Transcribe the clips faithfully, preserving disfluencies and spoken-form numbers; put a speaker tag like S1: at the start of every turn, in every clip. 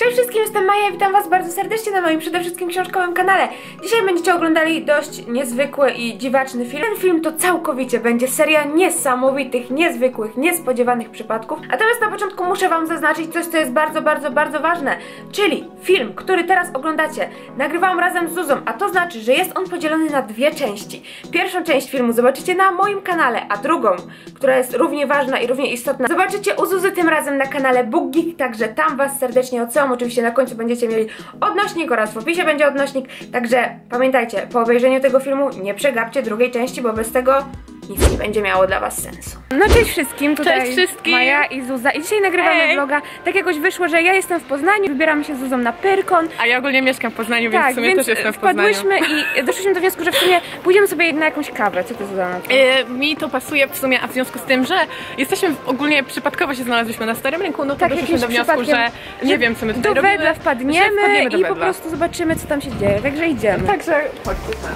S1: Cześć wszystkim, jestem Maja i witam was bardzo serdecznie na moim przede wszystkim książkowym kanale. Dzisiaj będziecie oglądali dość niezwykły i dziwaczny film. Ten film to całkowicie będzie seria niesamowitych, niezwykłych, niespodziewanych przypadków. Natomiast na początku muszę wam zaznaczyć coś, co jest bardzo, bardzo, bardzo ważne. Czyli film, który teraz oglądacie, nagrywałam razem z Zuzą, a to znaczy, że jest on podzielony na dwie części. Pierwszą część filmu zobaczycie na moim kanale, a drugą, która jest równie ważna i równie istotna, zobaczycie u Zuzy tym razem na kanale Book Geek, także tam was serdecznie odsyłam. Oczywiście na końcu będziecie mieli odnośnik oraz w opisie będzie odnośnik, także pamiętajcie, po obejrzeniu tego filmu nie przegapcie drugiej części, bo bez tego nic nie będzie miało dla was sensu. No cześć wszystkim, tutaj
S2: cześć wszystkim.
S1: Maja i Zuza i dzisiaj nagrywamy Ej. vloga. Tak jakoś wyszło, że ja jestem w Poznaniu, wybieramy się z Zuzą na Pyrkon.
S2: A ja ogólnie mieszkam w Poznaniu, więc
S1: tak,
S2: w sumie
S1: więc
S2: też jestem w Poznaniu.
S1: wpadłyśmy i doszliśmy do wniosku, że w sumie pójdziemy sobie na jakąś kawę. Co ty, Zuza, na to?
S2: E, mi to pasuje w sumie, a w związku z tym, że jesteśmy ogólnie przypadkowo się znaleźliśmy na Starym Rynku, no to
S1: tak,
S2: doszliśmy do wniosku, że nie wiem, co my tutaj
S1: do
S2: robimy.
S1: Wedla wpadniemy,
S2: wpadniemy do
S1: i
S2: Wedla.
S1: po prostu zobaczymy, co tam się dzieje, także idziemy.
S2: Także chodźcie tam.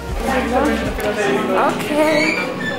S1: Okej.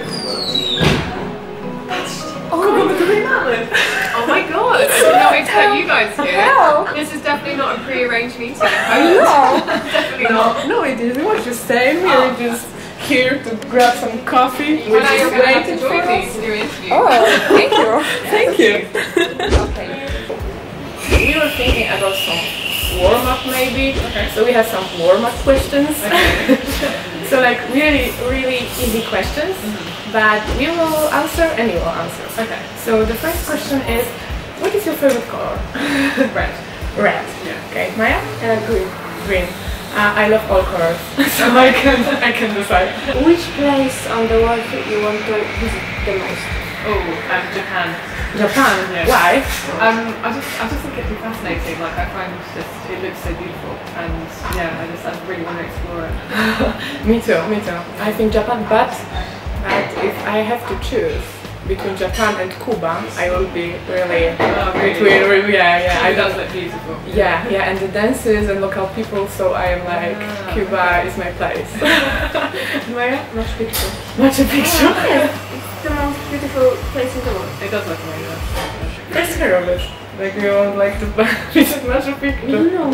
S2: Kogo my tutaj mamy?
S3: Oh my god! I didn't know we'd have you guys here.
S1: Hello.
S3: This is definitely not a pre-arranged meeting.
S1: No.
S3: Definitely not.
S2: No, it is. We were just staying. We were just here to grab some coffee.
S3: I know you're going to have to join me to do an interview.
S1: Oh, thank you.
S2: Thank you.
S1: Okay.
S2: We were thinking about some warm-up maybe. Okay. So we have some warm-up questions. Okay. So like really, really easy questions. Mm-hmm. But we will answer and you will answer. Okay. So the first question is, what is your favorite color?
S3: Red.
S2: Red.
S3: Yeah.
S2: Okay. Maya?
S3: Uh, green.
S2: Green. Uh, I love all colors, so I can I can decide.
S1: Which place on the world you want to visit the most?
S3: Oh, um, Japan.
S2: Japan.
S3: Yeah.
S2: Why?
S3: Um, I just I just think it'd be fascinating. Like I find just it looks so beautiful, and yeah, I just I really want to explore it.
S2: Me too. Me too. I think Japan, but but if I have to choose between Japan and Cuba, I will be really
S3: Oh, really?
S2: between really, yeah yeah. I
S3: It does
S2: don't.
S3: look beautiful.
S2: Yeah, yeah, and the dances and local people, so I am like,
S3: Ah,
S2: Cuba is my place. Maya?
S1: Machu Picchu.
S2: Machu Picchu.
S1: It's the most beautiful place in the world.
S3: It does look amazing.
S2: First hear of it. Like we would like to visit Machu Picchu.
S1: No.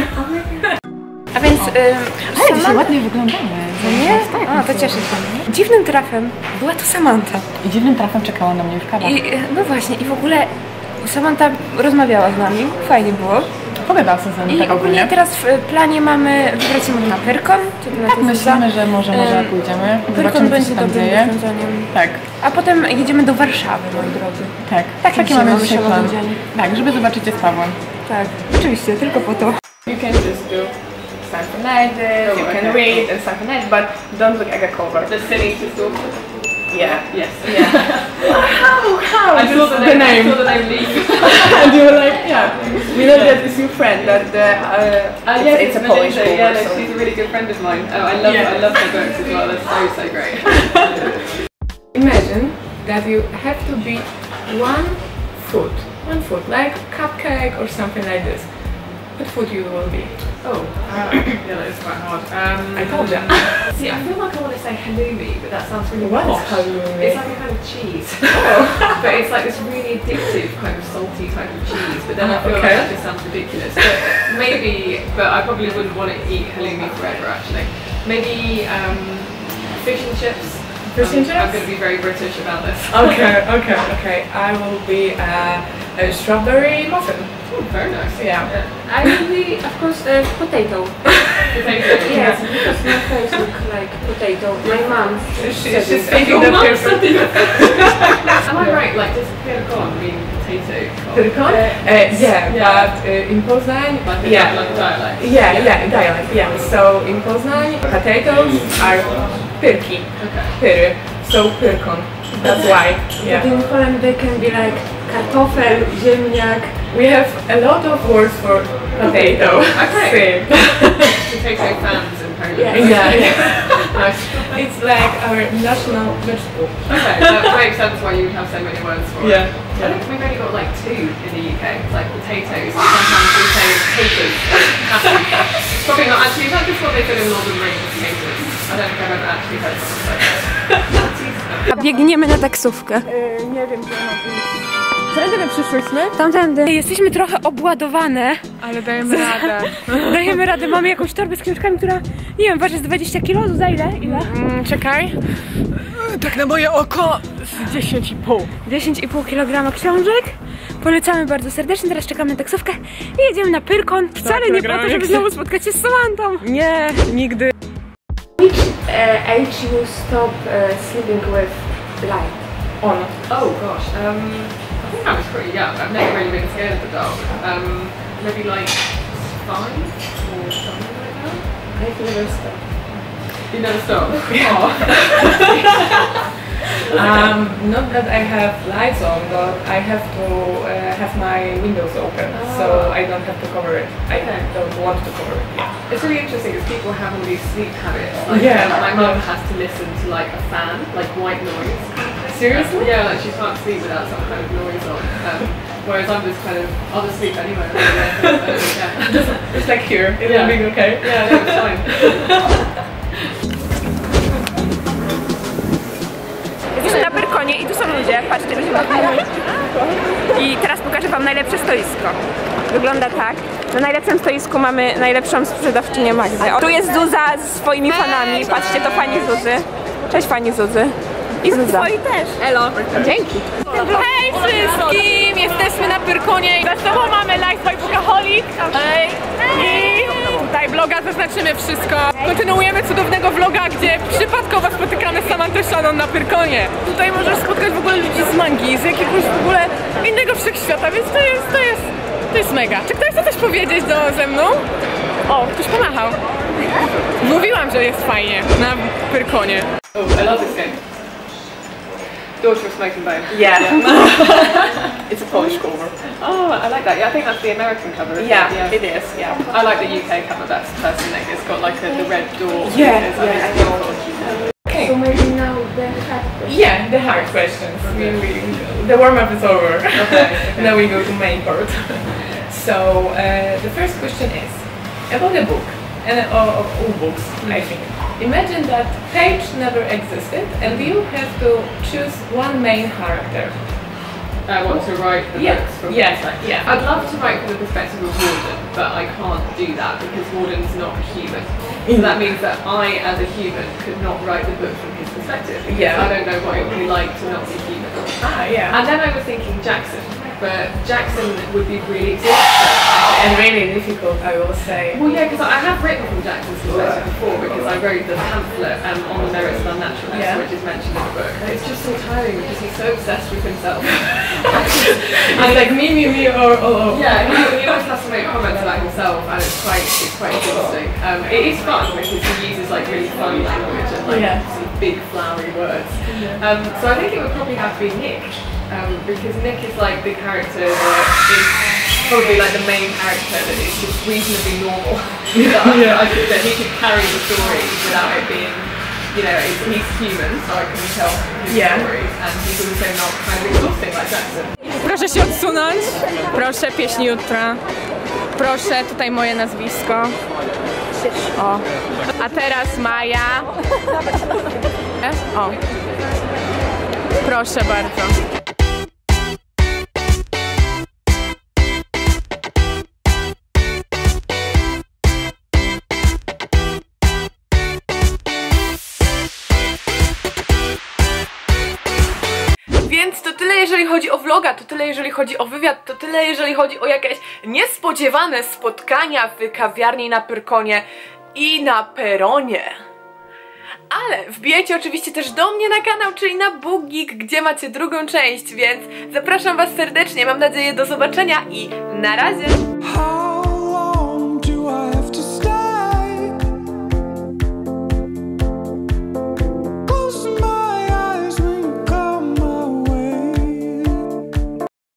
S1: A więc
S2: Ale dzisiaj ładnie wyglądamy.
S1: Nie? A, to cieszę się. Dziwnym trafem była to Samantha.
S2: I dziwnym trafem czekała na mnie już kawa.
S1: I, no właśnie, i w ogóle Samantha rozmawiała z nami, fajnie było.
S2: Pogadała sobie z nami
S1: I
S2: tak
S1: ogólnie
S2: ogólnie.
S1: teraz w planie mamy wybrać się może na Pyrkon. Czy ty na
S2: Tak,
S1: to
S2: myślimy, że może, może
S1: Em,
S2: pójdziemy.
S1: Pyrkon
S2: Zobaczymy, co
S1: będzie
S2: się tam
S1: dobrym
S2: dzieje.
S1: rozwiązaniem.
S2: Tak,
S1: A potem jedziemy do Warszawy, moi drodzy.
S2: tak.
S1: Tak,
S2: Taki
S1: dzisiaj
S2: mamy
S1: mamy
S2: dzisiaj
S1: się
S2: plan.
S1: rozdzielnie.
S2: Tak, żeby zobaczyć je z Pawłem.
S1: Tak, oczywiście, tylko po to.
S2: You can just do something like this,
S3: Oh,
S2: you can
S3: okay.
S2: read and something like this, but don't look at the cover.
S3: The city to stalk.
S2: Yeah.
S3: Yes.
S2: Yeah. how? How?
S3: I saw the name. I saw the name Lee.
S2: And you were like, yeah. We know that it's your friend, that the, uh,
S3: Uh,
S2: it's,
S3: yeah,
S2: it's a Polish
S3: Melinda,
S2: cover.
S3: yeah, no,
S2: So.
S3: she's a really good friend of mine. Oh, I love
S2: Yeah.
S3: I love her books as well. They're so so great.
S2: Imagine that you have to beat one food, one food, like cupcake or something like this. What food you will be?
S3: Oh, uh, yeah, that is quite hard. Um,
S2: I told you.
S3: See, I feel like I want to say halloumi, but that sounds really
S2: What is
S3: posh.
S2: halloumi?
S3: It's like a kind of cheese, but it's like this really addictive kind of salty type of cheese. But then I feel
S2: Okay.
S3: like that just sounds ridiculous. But maybe, but I probably wouldn't want to eat halloumi forever. Actually, maybe um, fish and chips.
S2: Fish and
S3: I'm,
S2: chips?
S3: I'm going to be very British about this.
S2: Okay, okay, okay. I will be uh, a strawberry muffin.
S3: Oh, very nice.
S2: Yeah.
S1: I will be, of course, a potato.
S3: Potato.
S1: Yes, because my face looks like potato. My mom
S2: She,
S1: said
S2: she's
S1: it.
S2: thinking
S3: Your
S2: that
S3: mum
S2: there's
S3: said that. Am I right? Like, does Pyrkon mean potato?
S2: Pyrkon? Uh, yeah,
S3: Yeah.
S2: but uh, in Poznań,
S3: Like a,
S2: yeah.
S3: like a dialect.
S2: Yeah, yeah, dialect, yeah. So in Poznań, potatoes are pyrki,
S3: Okay.
S2: pyry, so pyrkon. That's why, yeah.
S1: In Poland they can be like kartofel, ziemniak.
S2: We have a lot of words for potato.
S3: Okay.
S2: Same.
S3: Potato fans in Poland.
S1: Yeah.
S2: Yeah, yeah. Nice. It's like our national vegetable.
S3: Okay, that makes sense why you would have so many words for
S2: Yeah.
S3: it. I think we've only got like two in the U K. It's like potatoes, and sometimes we say taters. It's probably not actually, is that just what they put in Northern Ring, taters? I don't think I've ever actually heard someone say that.
S1: A biegniemy na taksówkę.
S2: Yy, nie wiem, gdzie mam iść. Tędy my przyszłyśmy?
S1: Tamtędy. Jesteśmy trochę obładowane.
S2: Ale dajemy radę.
S1: Dajemy radę, mamy jakąś torbę z książkami, która, nie wiem, waży z dwadzieścia kilo, za ile? Ile?
S2: Mm, czekaj. Tak na moje oko z dziesięć i pół.
S1: dziesięć i pół kilograma książek. Polecamy bardzo serdecznie, teraz czekamy na taksówkę i jedziemy na Pyrkon. Wcale nie po to, żeby znowu spotkać się z Samantą.
S2: Nie, nigdy.
S1: Which uh, age you stop uh, sleeping with light on?
S3: Oh gosh, um, I think I was pretty young. I've never really been scared of the dark. Um, maybe like five or something like that.
S1: I've never stopped.
S3: You never stop?
S2: Um, not that I have lights on, but I have to uh, have my windows open,
S3: Oh.
S2: so I don't have to cover it. I
S3: Okay.
S2: don't want to cover it. Yeah.
S3: It's really interesting because people have all these sleep habits. Like,
S2: Yeah.
S3: um, my mum has to listen to like a fan, like white noise.
S2: Seriously?
S3: Yeah, like she can't sleep without some kind of noise on. Um, whereas I'm just kind of, I'll just sleep anywhere. Yeah,
S2: It's like here. It's
S3: Yeah.
S2: being okay.
S3: yeah, no, it's fine.
S1: Jesteśmy na Pyrkonie i tu są ludzie, patrzcie, ludzie bawią. I teraz pokażę wam najlepsze stoisko. Wygląda tak. Na najlepszym stoisku mamy najlepszą sprzedawczynię Magdę. O, tu jest Zuza ze swoimi fanami. Patrzcie, to pani Zuzy. Cześć pani Zuzy. I Zuza. Twoi też.
S2: Hello.
S1: Dzięki.
S2: Hej wszystkim! Jesteśmy na Pyrkonie i za sobą mamy Life Bookaholic. Hej! I tutaj vloga zaznaczymy wszystko. Kontynuujemy cudownego vloga, gdzie przypadkowo spotykamy Samantę Shannon na Pyrkonie. Tutaj możesz spotkać w ogóle ludzi z mangi, z jakiegoś w ogóle innego wszechświata, więc to jest, to jest, to jest mega. Czy ktoś chce coś powiedzieć do, ze mną? O, ktoś pomachał. Mówiłam, że jest fajnie na Pyrkonie.
S3: Oh, I love this game. Daughter of Smoking Bone.
S2: Yeah. It's a Polish cover.
S3: Oh, I like that. Yeah, I think that's the American cover. Isn't
S2: Yeah,
S3: it?
S2: it is. Yeah.
S3: I like the U K cover best personally. It's got like a, the red door.
S2: Yeah,
S3: It's-
S2: yeah,
S3: it's
S2: I know.
S3: cool.
S2: Okay.
S1: So maybe now the hard
S2: Yeah, the hard questions. We, we, the warm up is over.
S3: Okay, okay.
S2: Now we go to main part. So uh, the first question is about the book and uh, of all books, I think. Imagine that page never existed, and you have to choose one main character.
S3: I want to write the
S2: Yeah,
S3: books from
S2: yeah,
S3: perspective.
S2: yeah.
S3: I'd love to write from the perspective of Warden, but I can't do that because Warden's not human. So that means that I, as a human, could not write the book from his perspective. Because
S2: Yeah.
S3: I don't know what it would be like to not be human.
S2: Ah, yeah.
S3: And then I was thinking Jackson, but Jackson would be really exhausting.
S2: And really difficult, I will say.
S3: Well, yeah, because I have written from Jackson's perspective before because I wrote the pamphlet um, on the merits of unnaturalness,
S2: Yeah.
S3: which is mentioned in the book. And it's just so tiring because he's so obsessed with himself.
S2: And like me, me, me, or oh, oh.
S3: Yeah, he, he always has to make comments about himself, and it's quite it's quite exhausting. Um, it is fun because he uses like really fun language and like
S2: Yeah.
S3: sort of big flowery words. Um, so I think it would probably have to be Nick, um, because Nick is like the character that is probably like the main character that is just reasonably normal. that, I,
S2: Yeah.
S3: I could, that he could carry the story without it being, you know, he's, he's human, so I can tell his
S2: Yeah.
S3: stories, and he's also not kind of exhausting like Jackson.
S2: Proszę się odsunąć. Proszę, pieśń jutra. Proszę, tutaj moje nazwisko. O. A teraz Maja. O. Proszę bardzo. Więc to tyle jeżeli chodzi o vloga, to tyle jeżeli chodzi o wywiad, to tyle jeżeli chodzi o jakieś niespodziewane spotkania w kawiarni na Pyrkonie i na peronie. Ale wbijajcie oczywiście też do mnie na kanał, czyli na BookGeek, gdzie macie drugą część, więc zapraszam was serdecznie, mam nadzieję do zobaczenia i na razie!